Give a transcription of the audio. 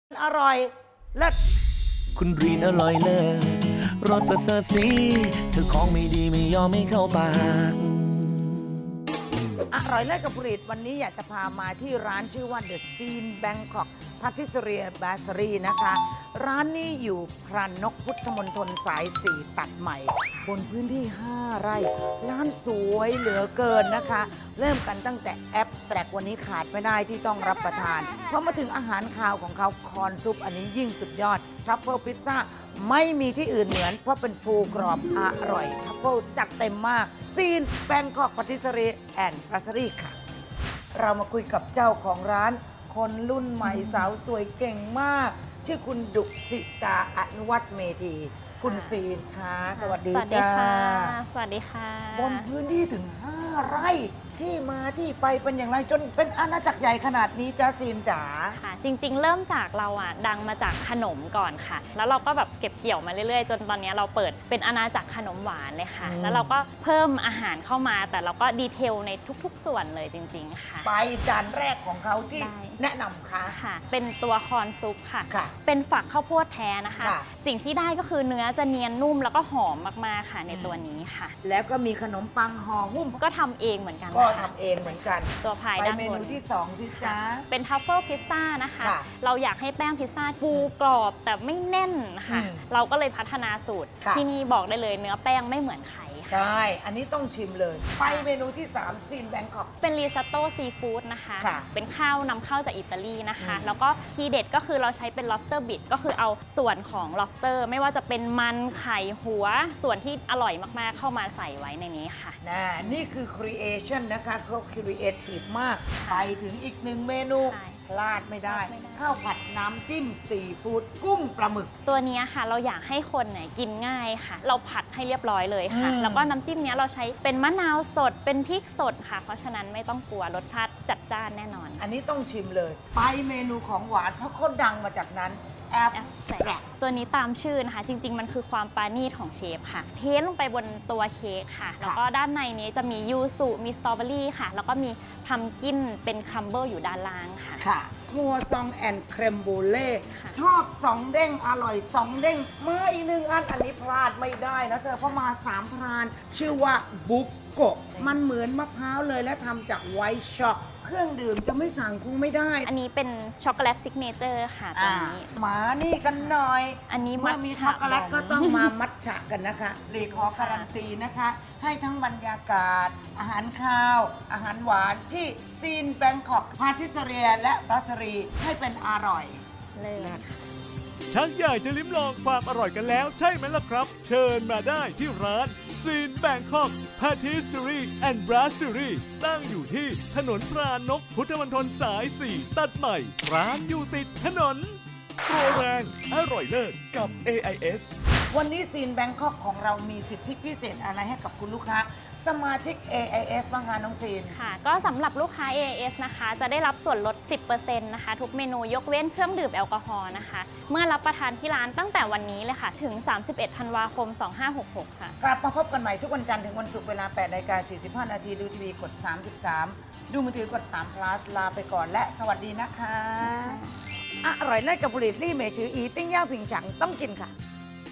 อร่อยเลิศคุณรีนอร่อยเลิศรสประเสริฐสีเธอของไม่ดีไม่ยอมไม่เข้าปากอร่อยเลิศกับผลิตวันนี้อยากจะพามาที่ร้านชื่อว่า The Scene Bangkok Patisserie Bakery นะคะ ร้านนี้อยู่พระนกพุทธมณฑลสาย 4 ตัดใหม่ บนพื้นที่ 5 ไร่ ร้านสวยเหลือเกินนะคะ เริ่มกันตั้งแต่แอปแตรกวันนี้ขาดไม่ได้ที่ต้องรับประทานพอมาถึงอาหารคาวของเขาคอนซุปอันนี้ยิ่งสุดยอดทรัฟเฟิลพิซซ่าไม่มีที่อื่นเหมือนเพราะเป็นฟูกรอบอร่อยทรัฟเฟิลจัดเต็มมากซีนแบงคอกปาติสรีแอนด์พาสรีค่ะ เรามาคุยกับเจ้าของร้านคนรุ่นใหม่สาวสวยเก่งมาก ชื่อคุณดุสิตาอนุวัฒน์เมธีคุณซีนค่ะสวัสดีจ้าสวัสดีค่ะบนพื้นที่ถึง 5 ไร่ที่มาที่ไปเป็นอย่างไรจนเป็นอาณาจักรใหญ่ขนาดนี้จ้าซีนจ๋าค่ะ จริงๆ เริ่มจากเราดังมาจากขนมก่อนค่ะ แล้วเราก็แบบเก็บเกี่ยวมาเรื่อยๆ จนตอนนี้เราเปิดเป็นอาณาจักรขนมหวานเลยค่ะ แล้วเราก็เพิ่มอาหารเข้ามา แต่เราก็ดีเทลในทุกๆ ส่วนเลยจริงๆ ค่ะไปจานแรกของเขาที่ได้แนะนำค่ะค่ะ เป็นตัวคอนซุปค่ะค่ะเป็นฝักข้าวโพดแท้นะคะค่ะสิ่งที่ได้ก็คือเนื้อจะเนียนนุ่มแล้วก็หอมมากๆ ค่ะในตัวนี้ค่ะแล้วก็มีขนมปังห่อหุ้มก็ทำเองเหมือนกันก็นะคะทำเองเหมือนกันตัวพายไปด้านเมบนูนที่ 2 สิจ้าเป็นทัฟเฟิลพิซซ่านะคะค่ะเราอยากให้แป้งพิซซ่าฟูกรอบแต่ไม่แน่นค่ะอืมเราก็เลยพัฒนาสูตรค่ะที่นี่บอกได้เลยเนื้อแป้งไม่เหมือนใครค่ะใช่ อันนี้ต้องชิมเลย ไปเมนูที่ 3 ซีนแบงคอกเป็นริซอตโต้ซีฟู้ดนะคะค่ะเป็นข้าวนำเข้าจากอิตาลีนะคะอืมแล้วก็ทีเด็ดก็คือเราใช้เป็น lobster bit ก็คือเอาส่วนของ lobster ไม่ว่าจะเป็นมันไข่หัว ส่วนที่อร่อยมากๆเข้ามาใส่ไว้ในนี้ค่ะนี่คือ creation นะคะเขาครีเอทีฟมาก ไปถึงอีกหนึ่งเมนูใช่พลาดไม่ได้พลาดไม่ได้ข้าวผัดน้ำจิ้มซีฟู้ดกุ้งปลาหมึกตัวเนี้ยค่ะเราอยากให้คนเนี่ยกินง่ายค่ะ เราผัดให้เรียบร้อยเลยค่ะอืมแล้วก็น้ำจิ้มเนี้ยเราใช้เป็นมะนาวสดเป็นพริกสดค่ะ เพราะฉะนั้นไม่ต้องกลัวรสชาติจัดจ้านแน่นอนอันนี้ต้องชิมเลย ไปเมนูของหวานเพราะเขาดังมาจากนั้นแอปแอปแสแตรกตัวนี้ตามชื่อนะคะ จริง ๆ มันคือความปราณีตของเชฟค่ะ เทลงไปบนตัวเค้กค่ะ แล้วก็ด้านในนี้จะมียูสุมีสตรอเบอรี่ค่ะ แล้วก็มีพัมกินเป็นครัมเบิลอยู่ด้านล่างค่ะค่ะครัวซองแอนด์เครมบูเล่ค่ะชอบสองเด้งอร่อยสองเด้งมาอีกหนึ่งอันอันนี้พลาดไม่ได้นะเธอเพราะมาสามพราน ชื่อว่าบุกโกะมันเหมือนมะพร้าวเลยและทำจากไวท์ช็อกเครื่องดื่มจะไม่สั่งคงไม่ได้อันนี้เป็นช็อกโกแลตซิกเนเจอร์ค่ะตัวนี้หมานี่กันหน่อยอันนี้เมื่อมีมัทฉะช็อกโกแลตบอมก็ต้องมามัทฉะกันนะคะรีขอการันตีนะคะ ให้ทั้งบรรยากาศ อาหารข้าว อาหารหวานที่ซีนแบงคอกพาทิสเรียและบรัสรีให้เป็นอร่อยเลยค่ะชักอยากจะลิ้มลองความอร่อยกันแล้วใช่ไหมล่ะครับ เชิญมาได้ที่ร้านซีนแบงคอกพาทิสซ e รีแอนด์บรัสซ e รีตั้งอยู่ที่ถนนพรานกพุทธมณฑลสาย 4 ตัดใหม่ ร้านอยู่ติดถนนโปรแรงอร่อยเลิศกับ AIS วันนี้ซีนแบงคอกของเรามีสิทธิพิเศษอะไรให้กับคุณลูกค้า สมาชิก AIS บ้างคะน้องซีนค่ะ ก็สำหรับลูกค้า AIS นะคะ จะได้รับส่วนลด 10% นะคะ ทุกเมนูยกเว้นเครื่องดื่มแอลกอฮอล์นะคะ เมื่อรับประทานที่ร้านตั้งแต่วันนี้เลยค่ะ ถึง 31 ธันวาคม 2566 ค่ะกลับมาพบกันใหม่ทุกวันจันทร์ถึงวันศุกร์เวลา 8:45 นาทีดูทีวีกด 33 ดูมือถือกด3 plus ลาไปก่อนและสวัสดีนะคะ อร่อยเลิศกับผลิตรี่เมชืออีติ้งย่าผิงฉังต้องกินค่ะ